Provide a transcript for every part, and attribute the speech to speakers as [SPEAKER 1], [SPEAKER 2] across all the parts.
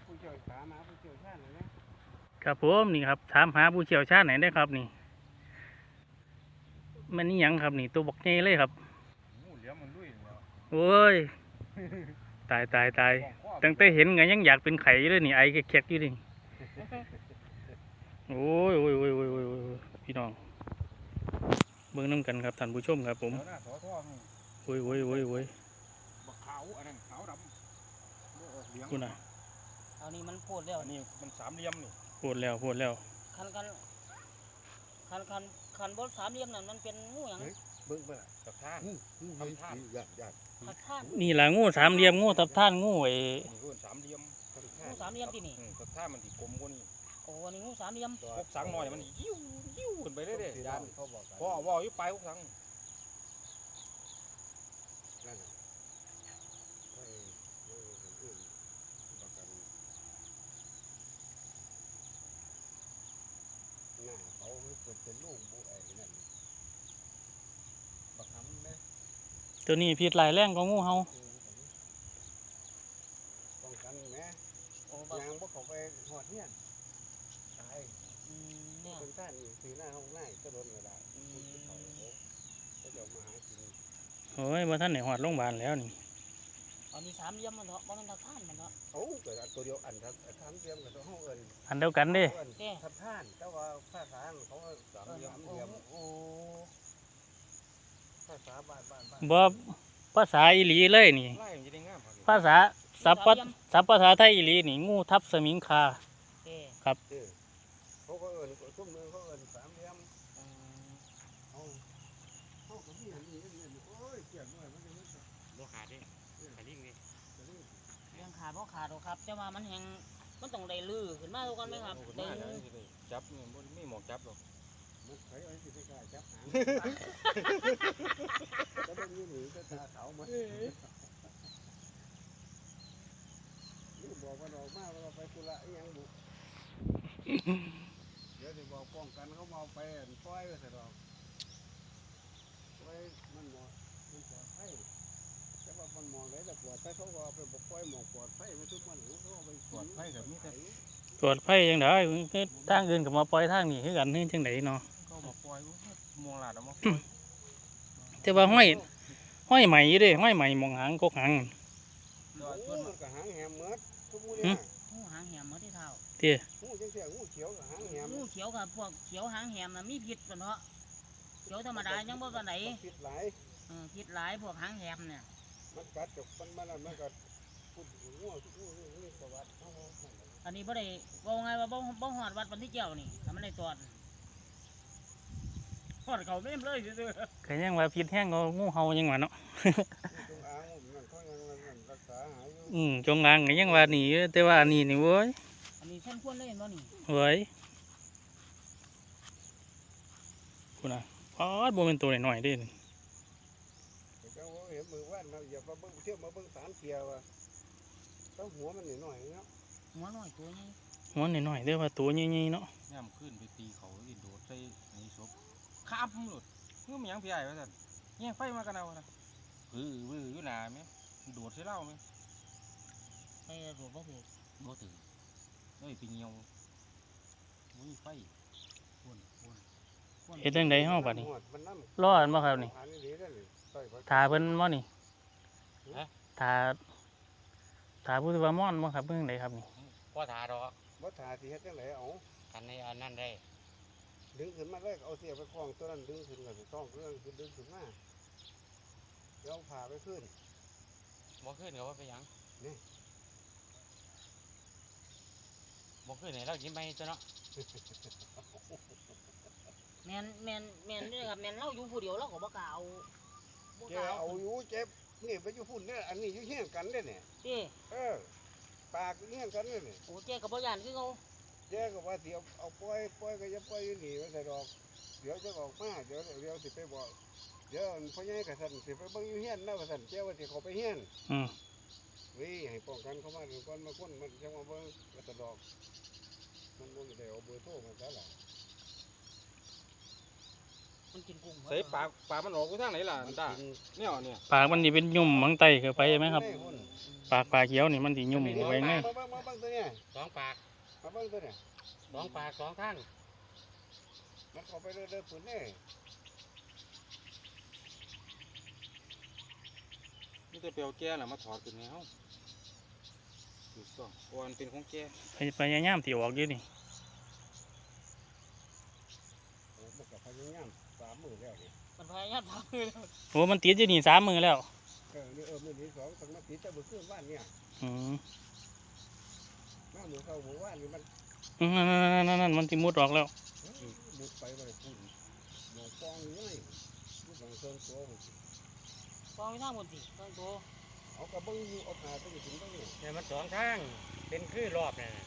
[SPEAKER 1] ผู้เชี่ยวชาญมาผู้เชี่ยวชาญเลยนะครับ
[SPEAKER 2] ผมนี่ครับถามหาผู้เชี่ยวชาญไหนได้ครับนี่มันนี่ยังครับนี่ตัวบอกใหญ่เลยครับ
[SPEAKER 1] งูเหลือมมันลุยแล้ว
[SPEAKER 2] โอ้ยตายตั้งแต่เห็นไงยังอยากเป็นไข่เลยนี่ไอแขกๆอยู่นี่โอ้ยพี่น้องเบิ่งน้ำกันครับท่านผู้ชมครับผม
[SPEAKER 1] หน้าสอทอง
[SPEAKER 2] โอ้ย
[SPEAKER 1] บักขาวอันนั้นขาวดำเหลือง
[SPEAKER 2] คุณน่ะ
[SPEAKER 3] เอานี่มันโพดแล้ว
[SPEAKER 1] อันนี้มันสามเหลี่ยมนี่
[SPEAKER 2] พูดแล้ว
[SPEAKER 3] คันบนสามเหลี่ยมนั่นมันเป็นงูหยัง
[SPEAKER 1] เบิ่งไปล่ะตะท่านทำท่านยาก
[SPEAKER 3] ทักท่าน
[SPEAKER 2] นี่ล่ะงูสามเหลี่ยมงูทับท่านงูไอ้
[SPEAKER 1] นี่คือสามเหลี่ยม
[SPEAKER 3] งูสามเหลี่ยมที่นี่
[SPEAKER 1] ตะท่านมันที่กลมกว่านี้
[SPEAKER 3] โอ้อันนี้งูสามเหลี่ยม
[SPEAKER 1] พวกสังหน่อยมันยิ้วขึ้นไปเรื่อยๆยานเขาบอกว่าอยู่ปลายพวกสังนั่นน่ะหน้าเขาเป็นลูกบุไอ้นั่นบักหำเลย
[SPEAKER 2] ตัวนี้พิษหลายแรงกว่างูเห่า
[SPEAKER 1] ป้องกันแม่
[SPEAKER 3] โอ้บัก
[SPEAKER 1] ยางบ่เขาไปหอดเฮียนตาย
[SPEAKER 3] เนี่ย
[SPEAKER 1] เป็นท่านนี่สีหน้าห้องหน้าก็โดนก็ได้เขาจะมาหากิน
[SPEAKER 2] โอ้ยว่าท่านไหนหอดโรงพยาบาลแล้วนี่
[SPEAKER 3] อันนี้สามเหลี่ยมมันเถอะบ่แม่นทักท่านมันเถอะ
[SPEAKER 1] โอ้เกิดตัวเดียวอันทำเทียมกับตัวห้องเอิญ
[SPEAKER 2] อันเดียวกันเด้
[SPEAKER 1] ทับท่านแต่ว่าภาษาเขาสามเหลี่ยม
[SPEAKER 3] โอ้
[SPEAKER 1] ภาษาบ้าน
[SPEAKER 2] บ่ภาษาอีหลีเลยนี่
[SPEAKER 1] ไล่มันจะได้งาม
[SPEAKER 2] ภาษาสัพภาษาไทยอีหลีนี่งูทับสมิงคา
[SPEAKER 3] เอ้
[SPEAKER 1] เขาก็เอิญซุ้มมือเขาเอิญสามเหลี่ยมเขาก็มีอันนี้โอ้ยเกี่ยงด้วยมันจะไม่
[SPEAKER 4] บ่ขาดเด้ขาลิ่งเด้
[SPEAKER 3] เรื่องขาดบ่ขาดหรอกครับแต่ว่ามันแหงมันต้องได้ลือขึ้นมาทุกคนไหมครับได้
[SPEAKER 1] จับไม่หมอกจับหรอกมันใครเอาสิไปกล้าจับหางจะเป็นยี่หนีก็ตาขาวมันนี่บอกว่าดอกมากเราไปกุละยังบุเดี๋ยวจะบอกป้องกันเขามาไปปล่อยไปเสร็จดอกปล่อยมันหมดมันปลอดภัยแต่ว่ามันมองได้แต่ปลอดภัยเขาก็ไปบอกปล่อยหมอกปลอดภัยไม่ทุกมันเขาไปปลอดภัยกับมีแต่
[SPEAKER 2] ตรวจไฟยังได้คือทางอื่นกับมาปล่อยทางนี้คือกันนี่จังไดเนาะ
[SPEAKER 1] เขาบอกปล่อยมองหลาดเอามา
[SPEAKER 2] แต่ว่าห้อยใหม่อยู่เด้ห้อยใหม่มองหางกกหาง
[SPEAKER 1] ชวนมันก็หางแหมเมือดทุกมื้อเนี่ย
[SPEAKER 3] งูหางแหมหมดที่เท้า
[SPEAKER 1] งูจังเสียงูเขียวกับหางแหม
[SPEAKER 3] งูเขียวกับพวกเขียวหางแหมน่ะมีพิษกันเถอะเขียวธรรมดายังบ่ปานไหน
[SPEAKER 1] พิษหลาย
[SPEAKER 3] พิษหลายพวกหางแหมเนี่ย
[SPEAKER 1] มันกัดจกมันก็พูดงูทุกงูนี่ประวัติเขา
[SPEAKER 3] อันนี้บ่ได้ว่าไงว่าบ่ฮอดวัดวันที่เจ้านี่ถ้ามันได้ตรวจฮอดเขาเต็มเลยซื่อ
[SPEAKER 2] ก็ยังว่าพิษแห้งก็งูเห่ายังว่าเนาะ
[SPEAKER 1] จงอางมันเขายังรักษาหายอยู่
[SPEAKER 2] จงอางก็ยังว่านี่อยู่แต่ว่าอันนี้นี่เว้ย
[SPEAKER 3] อันนี้ส้นควรเลยเห็นบ่นี่
[SPEAKER 2] เว้ยคุณน่ะอ๋อบ่เป็นตัวน้อยๆเด้นี่
[SPEAKER 1] เจ้าเห็นมือว่านมาอย่ามาเบิ่งเที่ยวมาเบิ่งสารเทียวต้องหัวมันหน่อยเนาะ
[SPEAKER 3] หัวน้อยตัวนี้
[SPEAKER 2] หัวน้อยๆเด้อว่าตัวใหญ่ๆเนาะ
[SPEAKER 4] ย่ำขึ้นไปตีเขาที่โดดใส่ในศพข้ามหลุดเมื่อมันยังพี่ใหญ่ว่าสั่นแย่งไฟมากันเอานะวื้ออยู่หนาไหมโดดใส่เหล้าไหม
[SPEAKER 3] ไปรวบบ่ถูก
[SPEAKER 4] บ่ถือเอ้ยไปเงียวมุ้ยไฟวน
[SPEAKER 2] เฮ็ดจังไดเฮาบัดนี้
[SPEAKER 1] มันน้ำ
[SPEAKER 2] รออันบ่ครับนี่
[SPEAKER 1] อันนี้ดีเลยต่อย
[SPEAKER 2] ถ้าเพิ่นบ่นี่ถ้าผู้ที่ว่าม่อนบ่ครับเพิ่นจังไดครับนี่
[SPEAKER 4] พ่อถาดอก
[SPEAKER 1] บ่ถ่าสิเฮ็ดจังไดเอา
[SPEAKER 4] กันในอันนั้นได้
[SPEAKER 1] ดึงขึ้นมาเลยเอาเสียไปคล้องตัวนั้นดึงขึ้นก็สิคล้องเครื่องขึ้นดึงขึ้นมาเดี๋ยวผ่าไปขึ้น
[SPEAKER 4] บ่ขึ้นก็ว่าไปหยัง
[SPEAKER 1] นี่
[SPEAKER 4] บ่ขึ้นไหนเรายิ้มไปตัวเนาะ
[SPEAKER 3] แม่นนี่ครับแม่นเราอยู่ผู้เดียวเราก็บ่กล้าเอาบ่
[SPEAKER 1] แก
[SPEAKER 3] กล้า
[SPEAKER 1] เอาอยู่เจ็บนี่ไปอยู่พุ่นเนี่ยอันนี้อยู่เฮี้ยงกันเด้เนี่ย
[SPEAKER 3] ติ
[SPEAKER 1] ปากเฮี้ยงกันเนี่ย
[SPEAKER 3] โอ้เจ๊ก็บ่ย่านคือเขา
[SPEAKER 1] แกก็ว่าสิเอาปล่อยก็จะปล่อยอยู่นี่ไว้ใส่ดอกเดี๋ยวจะออกมาเดี๋ยวสิไปบอกเดี๋ยวพ่อใหญ่กับท่านสิไปเบิ่งอยู่เฮี้ยนนะว่าท่านแกว่าสิเขาไปเฮี้ยน วิให้ป้องกันเขามาถึงก่อนมาคนมันจะมาเบิ่งกระดอกมันบ่ได้เอาเบอร์โทรมาซะล่ะ
[SPEAKER 3] มันกินกุ้ง
[SPEAKER 4] ใส่ปากมันออกไปทางไหนล่ะอันตาเนี่ยเนี่ย
[SPEAKER 2] ปากมันนี่เป็นยุ่มมังไตเข้าไปไหมครับปากเขียวนี่มันสิยุ่มเข้าไปไง
[SPEAKER 1] มาเบิ่งตัวเนี้ย
[SPEAKER 4] สองปาก
[SPEAKER 1] มาเบิ่งตัวเนี้ย
[SPEAKER 4] สองปากสองทาง
[SPEAKER 1] มันเข้าไปเรื่อยๆปุ่นนี่
[SPEAKER 4] นี่จะเปลวแก่น่ะมาถอดขึ้นแล้วถูกต้องเพราะมันเป็นของแก่
[SPEAKER 2] พยายามที่ออกอยู่นี่
[SPEAKER 1] มันกับพยายาม3 มื้อแล้วนี่
[SPEAKER 3] มันพยายามทำเลย
[SPEAKER 2] โอ้มันติดอยู่นี่3 มื้อแล้ว
[SPEAKER 1] นี่มื้อที่2ต้องมาติดแต่มื้อคืนว่านเนี่ย
[SPEAKER 2] อืม
[SPEAKER 1] มามื้อเข้ามื้อว่านนี่มัน
[SPEAKER 2] นั่นมันสิมุดออกแล้ว
[SPEAKER 1] มุดไปไว้ปุ่นหมองฟองอยู่เลยมุดหลังเชิงตัว
[SPEAKER 3] ฟองไม่ท่าหมดสิต้องโต
[SPEAKER 1] เอากระเบื้องอยู่เอาขาไปถึงตรงนี้
[SPEAKER 4] เนี่ยมันสองทางเป็นคือรอบเนี่ย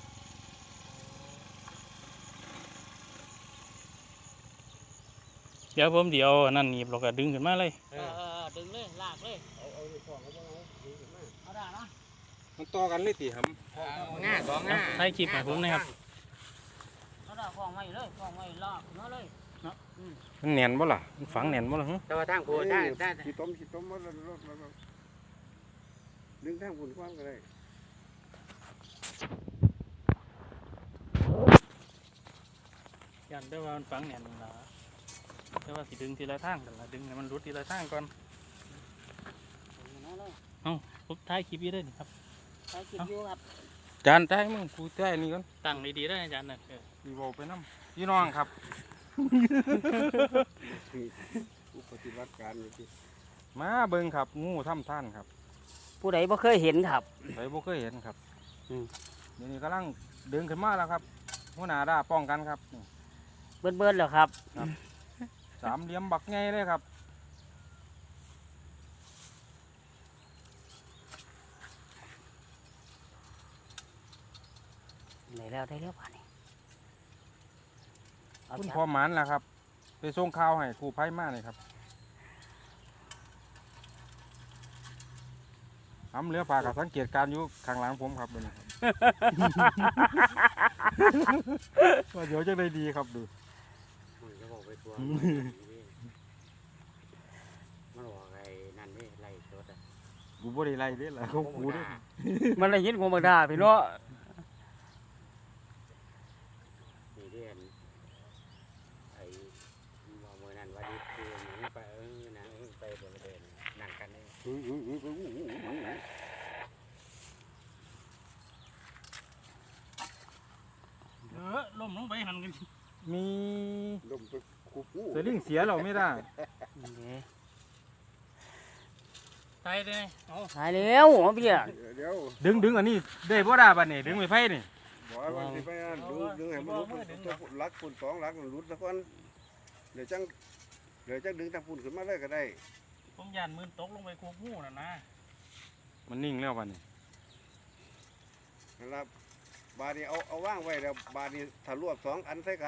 [SPEAKER 2] เดี๋ยวผมเดี๋ยวอันนั่นหนีบเราก็ดึงขึ้นมาเลย
[SPEAKER 3] ดึงเลยลากเลย
[SPEAKER 1] เอาในฟองเอาบ้างเอาดึงขึ้นมา
[SPEAKER 3] เอาได้นะ
[SPEAKER 4] มันต่อกันเลยตีหำง่าสองง่า
[SPEAKER 2] ให้คลิปให้ผมนะครับ
[SPEAKER 3] เอาได้ฟองไว้เลยฟองไว้ลากมาเลย
[SPEAKER 4] มันแน่นบ่ล่ะมันฝังแน่นบ่ล่ะฮะ
[SPEAKER 3] แต่ว่าทางกูได้
[SPEAKER 1] ขี้ต้มมันรถดึงทางฝุ่นความก็ได้
[SPEAKER 2] ยันได้ว่ามันฝังแหน่นละแต่ว่าสิดึงทีละทางกันละดึงให้มันรุดทีละทางก่อนผมท้ายคลิปอยู่ได้นี่ครับ
[SPEAKER 3] ใช้กินอยู่ครับ
[SPEAKER 4] จานใต้มึงกูใต้นี่ก่อน
[SPEAKER 2] ตั้งดีๆได้อาจารย์นะ
[SPEAKER 4] ดีบ่ไปน้ำพี่น้องครับ
[SPEAKER 1] อุปฏิบัติการนี่สิ
[SPEAKER 4] มาเบิ่งครับงูถ้ำท่านครับ
[SPEAKER 3] ผู้ใดบ่เคยเห็นครับ
[SPEAKER 4] ใครบ่เคยเห็นครับ
[SPEAKER 3] อืม
[SPEAKER 4] เดี๋ยวนี้กำลังดึงขึ้นมาแล้วครับหัวหน้าด่าป้องกันครับนี่
[SPEAKER 3] เบิ้ลแล้วครับ
[SPEAKER 4] สามเหลี่ยมบักไงเลยครับ
[SPEAKER 3] ได้แล้วป่านนี้เอา
[SPEAKER 4] คุณ
[SPEAKER 3] จับ
[SPEAKER 4] พอหมันแล้วครับ ไปส่งข่าวให้ครูไพ่มาเลยครับทำเรือปลากับสังเกตการณ์อยู่ข้างหลังผมครับเดี๋ยวนี้ครับ ว่าเดี๋ยวจะได้ดีครับดู
[SPEAKER 5] มันจะบอกไปทัวร์มันบอกไอ้นั่นนี่ไล่รถอ่ะ
[SPEAKER 4] กูบ่ได้ไล่เด้ล่ะเขากูเด้
[SPEAKER 3] มันได้ยินกูมาด่าพี่เนาะ
[SPEAKER 5] นี่เรียนไอ้บอกเมื่อนั้นว่าดิคือหนูไปนะไปบริเวณนั่งกันเลย
[SPEAKER 2] ล่มลงไปหันกัน
[SPEAKER 4] มี
[SPEAKER 1] ลมไปคุบงู
[SPEAKER 4] สลิงเสียเราไม่ได้
[SPEAKER 2] ตายเลยเอา
[SPEAKER 3] หายแล้วเอาเบี้ย
[SPEAKER 1] เดี๋ยว
[SPEAKER 4] ดึงอันนี้ได้บ่ได้บัดนี้ดึงไม่ไพ่นี่
[SPEAKER 1] บอกว่าสิไปดึงให้มันรุดลักฝุ่น2 ลักรุดซะก่อนเดี๋ยวจังดึงทางฝุ่นขึ้นมาเลยก็ได้
[SPEAKER 2] ผมยันมือตกลงไปควบงูน่ะนะ
[SPEAKER 4] มันนิ่งแล้วบัดนี้
[SPEAKER 1] นะครับบาดนี้เอาว่างไว้แล้วบาดนี้ถ้ารวบ2 อันใส่กัน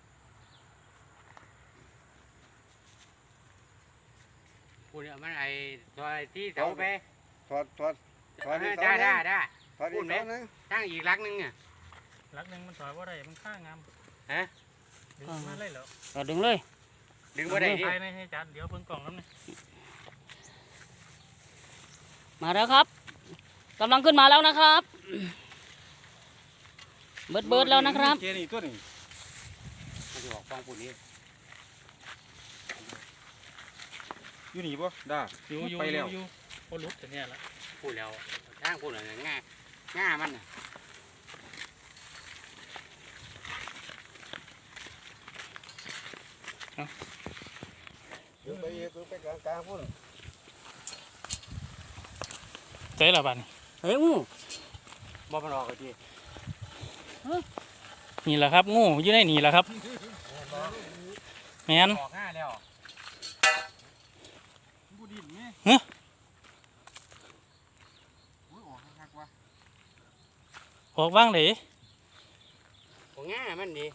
[SPEAKER 5] พูดเนี่ยมันไอ้ตัวที่เสาไป
[SPEAKER 1] ถอดอีกเสา
[SPEAKER 5] ได้
[SPEAKER 1] นึงถอดอีกเสานึง
[SPEAKER 5] ตั้งอีกลักนึงอ่ะ
[SPEAKER 2] ลักหนึ่งมันถอยว่าได้มันข้างงาม
[SPEAKER 5] ฮะ
[SPEAKER 2] ดึงมาเลยเหรอ
[SPEAKER 3] ก็ดึงเลย
[SPEAKER 5] ดึงบ่ได้ดิ
[SPEAKER 2] ตายในให้อาจารย์เดี๋ยวเพิ่งกล่องน้ำนี่
[SPEAKER 3] มาแล้วครับกำลังขึ้นมาแล้วนะครับเบิดแล้วนะครับ
[SPEAKER 4] เจนี่ตัวนี้
[SPEAKER 5] มันจะบอกฟังพูดนี้
[SPEAKER 4] อยู่นี่บ่ได้
[SPEAKER 2] อยู่
[SPEAKER 4] ไปแล้ว
[SPEAKER 2] พอลุกแต่เนี่ยละ
[SPEAKER 5] พูดแล้วทางพูดอะไรง่ามัน
[SPEAKER 1] ดึงไปกลางฝุ่น
[SPEAKER 2] ใจละบ้าน
[SPEAKER 3] เฮ้ยอู้
[SPEAKER 5] บ่มันออกเลยที
[SPEAKER 2] นี่แหละครับงูอยู่ในนี่แหละครับแมน
[SPEAKER 5] ออกง่าแล้ว
[SPEAKER 4] บูดินไหม
[SPEAKER 2] ฮะ
[SPEAKER 4] โอ้ยออกคักๆว่ะ
[SPEAKER 2] ออกว่างเลย
[SPEAKER 5] ออกง่ามันดี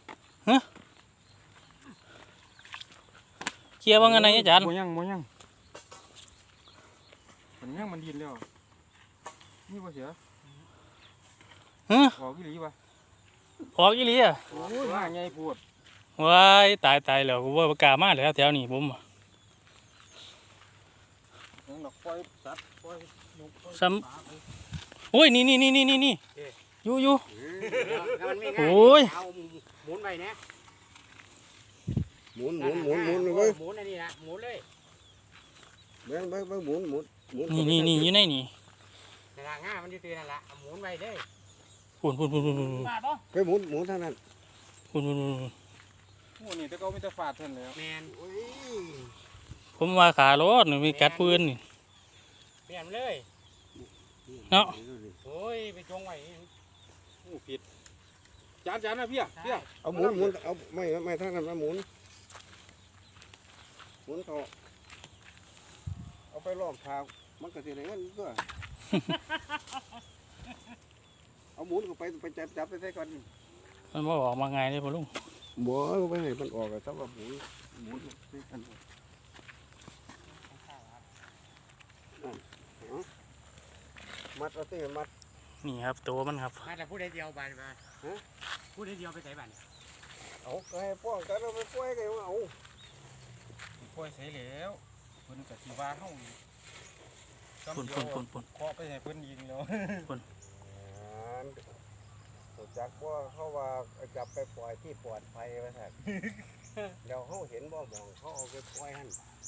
[SPEAKER 2] เคลียร์ว่างันไงอาจารย์
[SPEAKER 4] บ่ยังมันยังมันดินแล้วนี่บ่เสีย
[SPEAKER 2] ฮะ
[SPEAKER 4] ออกอีหลีวะ
[SPEAKER 2] ออกอีหลีอ่ะ
[SPEAKER 4] โอ้ยมาใหญ่ปวด
[SPEAKER 2] ว้ายตายแล้วกูว่าบ่กล้ามาแล้วแถวนี้ผมอะ
[SPEAKER 4] ยังดอกปล่อยสัตว์ปล่อยนกปล่อย
[SPEAKER 2] ซ้ำ
[SPEAKER 4] ปลาไป
[SPEAKER 2] โอ้ยนี่อยู่
[SPEAKER 5] ถ้ามันไม่
[SPEAKER 2] โอ้
[SPEAKER 5] ง่าย
[SPEAKER 2] ย
[SPEAKER 5] เอาหมุนไปนะ
[SPEAKER 1] หมุน
[SPEAKER 5] นั่นน่ะ
[SPEAKER 1] เว้ย
[SPEAKER 5] หมุนอันนี้นะหมุนเลย
[SPEAKER 1] เบิ่งหมุน
[SPEAKER 2] นี่อยู่ในนี่
[SPEAKER 5] นั่นละง่ามันอยู่ตีนั่นละเอาหมุนไปเลย
[SPEAKER 2] พุ่น
[SPEAKER 3] มาบ่
[SPEAKER 1] ไปหมุนทางนั้น
[SPEAKER 4] โอ้นี่แต่เขาไม่จะฟาดเท่านั้นแหล้ว
[SPEAKER 5] แมน
[SPEAKER 1] โอ้ย
[SPEAKER 2] ผมว่าขารถนี่มีกัดปืนนี่
[SPEAKER 5] เปลี่ยนเลย
[SPEAKER 2] เนาะ
[SPEAKER 5] โอ้ยไปจงไว้
[SPEAKER 4] โอ้ผิดจานนะพี่อ่ะพี่อ่ะ
[SPEAKER 1] เอาหมุนเอาไม่ทางนั้นมาหมุนเขาเอาไปล้อมทางมันก็สิได้เงินตัวเอาหมุนเข้าไปจับไปใส่ก่อน
[SPEAKER 2] มันบ่ออกมาไงเลยพ่อลุง
[SPEAKER 1] บ่ไปให้มันออกอะสำหรับหมุนใส่กันมัดเอาสิมัด
[SPEAKER 2] นี่ครับตัวมันครับ
[SPEAKER 5] มาแต่พูดได้เดียวบานมาพูดได้เดียวไปใส่บาน
[SPEAKER 1] เอาไปให้ป้องกันเอาไปปล่อยกันเอา
[SPEAKER 4] ปล่อยเสียแล้วเพิ่นก็สิว่าเฮาซ้ำ
[SPEAKER 2] พุ่น
[SPEAKER 4] เดียว
[SPEAKER 2] พุ่น
[SPEAKER 4] เคาะไปให้เพิ่นยิงแล้ว
[SPEAKER 1] ถูกจักว่าเขาว่าจับไปปล่อยที่ปลอดภัยไว้แท้เดี๋ยวเขาเห็นบ่มองเขาเอาไปปล่อยหั่น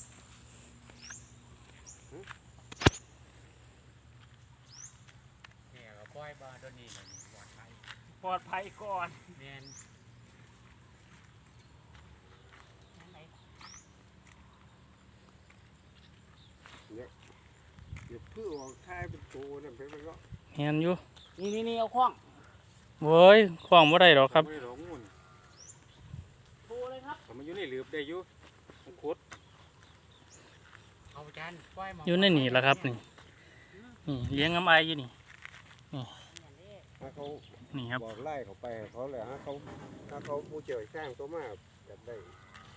[SPEAKER 5] เนี่ยก็ปล่อยบาโดนนี่เลยปลอดภัย
[SPEAKER 3] ปลอดภัยก่อน
[SPEAKER 5] แมน
[SPEAKER 1] เดี๋ยวเพื่อออกท้ายเป็นตัวนั่นเป็นก็
[SPEAKER 2] เห็นอยู่
[SPEAKER 3] นี่เอาคล้อง
[SPEAKER 2] เว้ยคล้องบ่ได้หรอกครับ
[SPEAKER 4] ไม่ได้หรอกงูน
[SPEAKER 3] โทรเลยครับ
[SPEAKER 4] แต่มันอยู่ในหลืบได้อยู่มันขุด
[SPEAKER 5] เอาจานปล่อยหม
[SPEAKER 2] อยู่ในนี่แหละครับนี่เลี้ยงน้ำไออยู่นี่
[SPEAKER 1] ถ้าเขา
[SPEAKER 2] นี่ครับ
[SPEAKER 1] บอกไล่เขาไปให้เขาเลยถ้าเขาผู้เจียวแข้งตัวมากอยากได้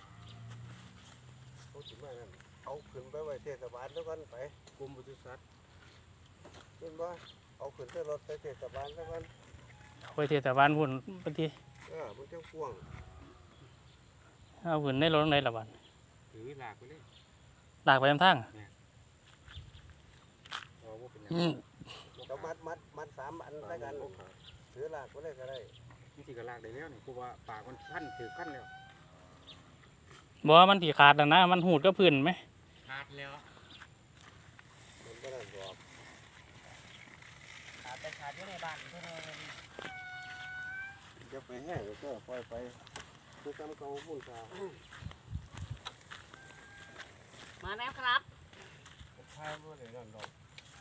[SPEAKER 1] เขาถึงมานั่นเอาขึ้นไปไว้เทศบาลแล้วกันไป
[SPEAKER 4] กรมปศุสัตว์
[SPEAKER 1] ขึ้นบ่เอาขึ้นเส้นรถไปเทศบาลแล้วกัน
[SPEAKER 2] ไปเทศบาลพุ่นบางที
[SPEAKER 1] มันจะพ่วง
[SPEAKER 2] เอาขึ้นในรถในละบัด
[SPEAKER 5] ถือหลากไปเลย
[SPEAKER 2] ลากไปทางทาง
[SPEAKER 4] เอาว่าเป็นหยัง
[SPEAKER 1] เรามัด3 อันแล้วกันถือลากไปเลยก็ได้
[SPEAKER 4] นี่สิก็ลากได้แล้วนี่เพราะว่าปากมันพันถือขั้นแล้ว
[SPEAKER 2] บ่ว่ามันถี่ขาดแล้วนะมันหูดก็พื้นไหม
[SPEAKER 5] ขาดแล้ว
[SPEAKER 1] มันก็ได้บอก
[SPEAKER 3] ขาดไปขาดอยู่ในบ้านเพิ่น
[SPEAKER 1] จะไปแห้งก็ปล่อยไปคือจำเขาพุ่นชา
[SPEAKER 3] มาแล้วครับ
[SPEAKER 1] พายบ่ได้นั่นดอก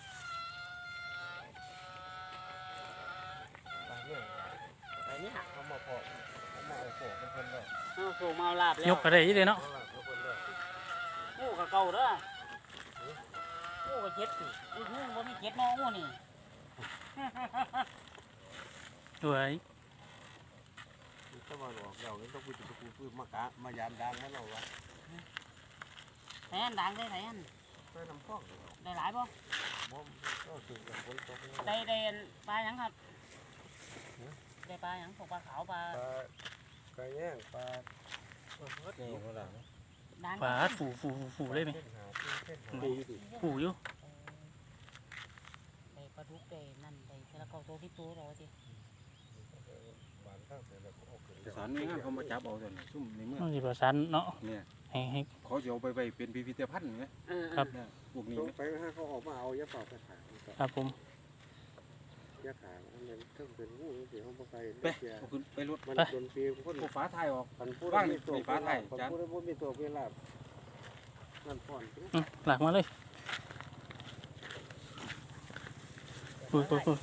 [SPEAKER 1] อันนี้เขามาพอเขามาเอาโขกเป็นคนเด้อ
[SPEAKER 3] เอาส่งมาเอาลาบแล้ว
[SPEAKER 2] ยกก็ได้อยี่เลยเนาะ
[SPEAKER 1] เขาลากเป็นคนเด้อ
[SPEAKER 3] งูกับเก่าเด้องูกับเจ็ดสิงูบ่มีเจ็ดเนาะงูนี่
[SPEAKER 2] สวย
[SPEAKER 1] ถ้ามาออกเราต้องพูดจะพูดมามายามดังให้เราวะ
[SPEAKER 3] แทนดังได้แทน
[SPEAKER 1] ไปน้ำข้อง
[SPEAKER 3] ได้หลายบ่
[SPEAKER 1] บ่ก็ถึงกับคนตก
[SPEAKER 3] ได้ปลาหยังครับได้ปลาหยังพวกปลาขาวปลา
[SPEAKER 1] ปลาแย่งปลา
[SPEAKER 4] นี่เขาหลัง
[SPEAKER 3] ดัง
[SPEAKER 2] ปลาฝูเลยไหมฝูอยู่
[SPEAKER 3] ได้ปลาดุกได้นั่นได้เสละเก่าตัวที่ตัวเราสิ
[SPEAKER 4] แต่สารนี่เขามาจับเอาแต่นี่ซุ่มในเมือง
[SPEAKER 2] ต้องสิประสานเนาะ
[SPEAKER 4] เนี่ย
[SPEAKER 2] ให้
[SPEAKER 4] เขาจะเอาไปไว้เป็นพิพิธภัณฑ์ไง
[SPEAKER 2] ครับ
[SPEAKER 4] เนี่ยพวกนี้
[SPEAKER 1] ต้อง
[SPEAKER 4] ไหม
[SPEAKER 1] ไปให้เขาออกมาเอายาเป่าไปขาย
[SPEAKER 2] ครับผม
[SPEAKER 1] ยาขายมันต้องเป็นงูเสียเขาไป
[SPEAKER 4] ไปเอาขึ้นไปรถ
[SPEAKER 1] มันโดนปีคน
[SPEAKER 4] พวกฟ้าไทยออก
[SPEAKER 1] มันพูด
[SPEAKER 4] ว่าง
[SPEAKER 1] มีตัว
[SPEAKER 4] ไฟฟ้าไทย
[SPEAKER 1] มัน
[SPEAKER 4] จาน
[SPEAKER 1] พูดว่ามีตัวเวลานั่นพ่อน
[SPEAKER 2] หลักมาเลยปุย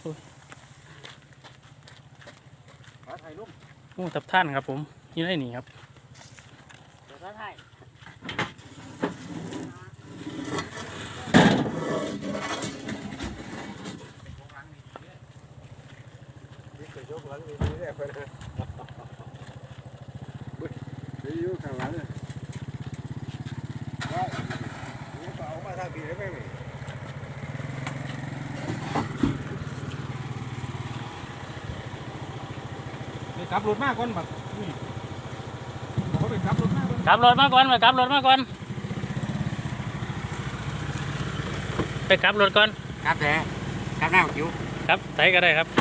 [SPEAKER 4] ฟ้าไทยลุ่ม
[SPEAKER 2] โอ้ตับท่านครับผมอยู่ในนี่ครับ
[SPEAKER 3] เดี๋ยวก็ให้
[SPEAKER 1] นี่จะยกหลังดีๆได้ไปนะเดี๋ยวอยู่ข้างหลังเนี่ยว่านี่ก็เอามาทางดีได้ไหมนี่
[SPEAKER 4] ไปกลับรถมากก่อนบักไปกลับรถมาเบิ่ง
[SPEAKER 2] กลับรถมาก่อนไปกลับรถมาก่อนไปกลับรถก่อน
[SPEAKER 5] ครับแต่ครับหน้าคิว
[SPEAKER 2] ครับใส่ก็ได้ครับ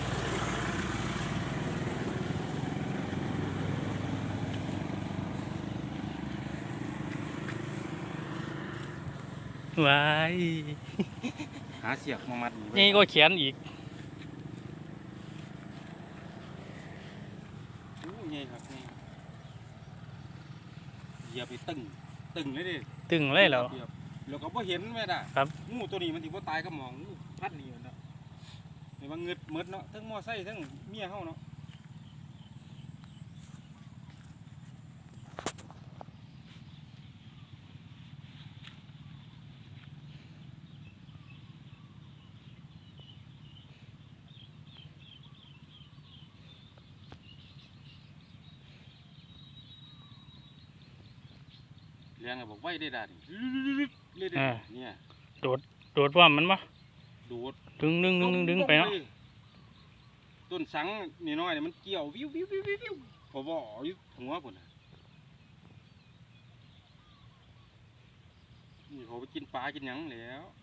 [SPEAKER 2] ว้าย
[SPEAKER 4] หาเสียกมามัด
[SPEAKER 2] นี่ก็เขียนอีก
[SPEAKER 4] โอ้ยไงครับนี่เหยียบไปตึงเลยดิ
[SPEAKER 2] ตึงเลยเหรอ
[SPEAKER 4] หยียบแล้วก็บ่เห็นแม่ด่ะ
[SPEAKER 2] ครับ
[SPEAKER 4] งูตัวนี้มันสิบ่ตายก็มองงูพัดนี่เนาะเห็นว่าเงึดหมดเนาะทั้งมอไซค์ทั้งเมียเฮาเนาะเลี้ยงอะบอกไว้ได้ด่านี่เลยเด้เนี่ย
[SPEAKER 2] โดดว่ามันมะ
[SPEAKER 4] โดด
[SPEAKER 2] ดึงไปเนาะ
[SPEAKER 4] ต้นสังนี่น้อยเนี่ยมันเกี่ยววิวพอบ่อยู่หัวพุ่นน่ะนี่เขาไปกินปลากินหยังแล้ว